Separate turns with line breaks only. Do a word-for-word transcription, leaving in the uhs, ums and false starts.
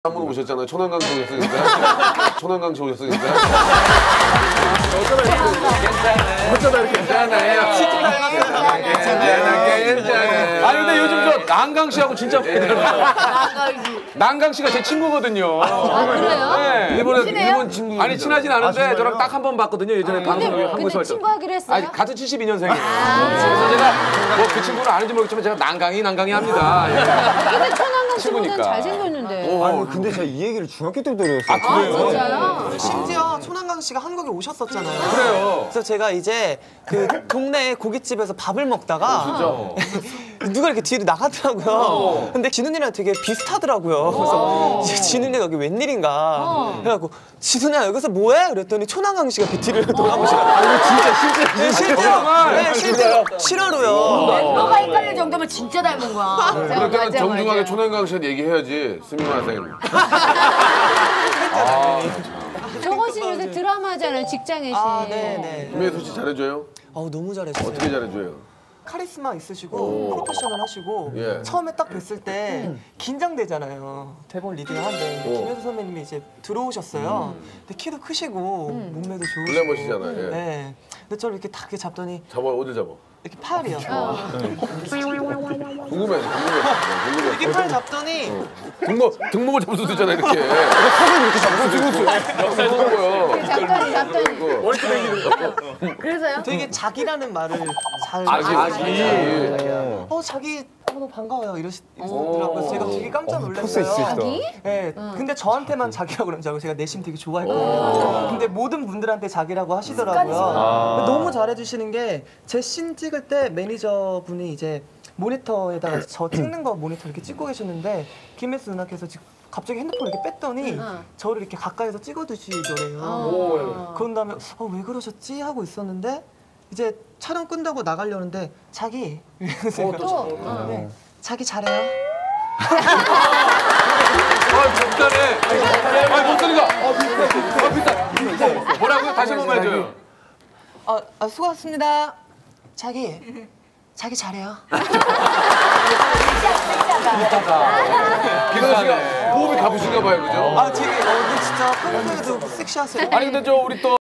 한 번 오셨잖아요. 천안강시 오셨으니까. 천안강시 오셨으니까. 어쩌다 이렇게 괜찮아요. 괜찮아요. 괜찮아요. 아니 근데 요즘 저 난강씨하고 진짜 난강씨. 난강씨가 제 친구거든요.
아 그래요?
네. 일본에 일본 친구. 아니 친하진 않은데
아,
저랑 딱 한 번 봤거든요. 예전에 방송에 한국에서 할 때.
친구하기로 했어요?
아니 같은 칠십이 년생이에요. 그래서 제가 뭐 그 친구는 아는지 모르겠지만 제가 난강이 난강이 합니다.
근데 천안강 친구는 잘생겼는데.
아니 근데 제가 이 얘기를 중학교 때부터 들었어요.
아 그래요?
진짜요?
심지어 천안강 씨가 한국에 오셨었잖아요.
그래요.
그래서 제가 이제 그 동네 고깃집에서 밥을 먹다가 누가 이렇게 뒤로 나가더라고요. 근데 진훈이랑 되게 비슷하더라고요. 그래서 진훈이가 여기 웬일인가 해갖고 진훈아 여기서 뭐해? 그랬더니 천안강 씨가 그 뒤를 돌아보시더라고요.
아, 진짜 실제
네, 실제로, 네, 실제로 실화로요.
멤버가 헷갈릴 정도면 진짜 닮은 거야.
그럴 때는 정중하게 천안강시한테 얘기해야지. 스미마 선생님.
저건 씨 요새 드라마 하잖아요. 직장의 신.
아, 네네.
김혜수 씨 잘해줘요?
어우 너무 잘했어요.
어떻게 잘해줘요?
카리스마 있으시고 프로페셔널하시고
예.
처음에 딱 뵀을 때 긴장되잖아요. 대본 리딩을 하는데
오.
김혜수 선배님이 이제 들어오셨어요. 근데 키도 크시고 몸매도 좋으시고
글래머시잖아요. 예.
네. 근데 저를 이렇게 딱 잡더니
잡아 어디 잡아?
이렇게 팔이요.
궁금해, 궁금해, 궁금해.
이렇게 팔 잡더니
등목 등목을 잡을 수도 있잖아 이렇게. 턱을 이렇게 잡고 찍었어. 거야.
잡더니 잡더니. 그래서요?
되게 자기라는 말을 잘
아기,
하시고
아기.
어 자기 어, 너무 반가워요 이러시- 이러시더라고요. 제가 되게 깜짝 놀랐어요.
자기?
네, 근데 저한테만 자기라고 그러는 줄 알고 제가 내심 되게 좋아했거든요. 근데 모든 분들한테 자기라고 하시더라고요. 너무 잘해주시는 게 제 씬 찍을 때 매니저분이 이제 모니터에다가 저 찍는 거 모니터 이렇게 찍고 계셨는데 김혜수 누나께서 지금 갑자기 핸드폰을 이렇게 뺐더니 저를 이렇게 가까이서 찍어두시더래요. 그런 다음에 어, 왜 그러셨지? 하고 있었는데 이제 촬영 끝나고 나가려는데 자기 이러면서
또.
네, 자기 잘해요.
아 비슷하네. 아 목소리가. 아 비슷해. 아 비슷해. 뭐라고요? 다시 한 번만 해줘요.
아, 아 수고하셨습니다. 자기 자기 잘해요.
기성 씨가 호흡이 가쁘신가 봐요, 그죠?
아 되게 어 근데 진짜 평소에도 섹시하세요.
아니 근데 저 우리 또.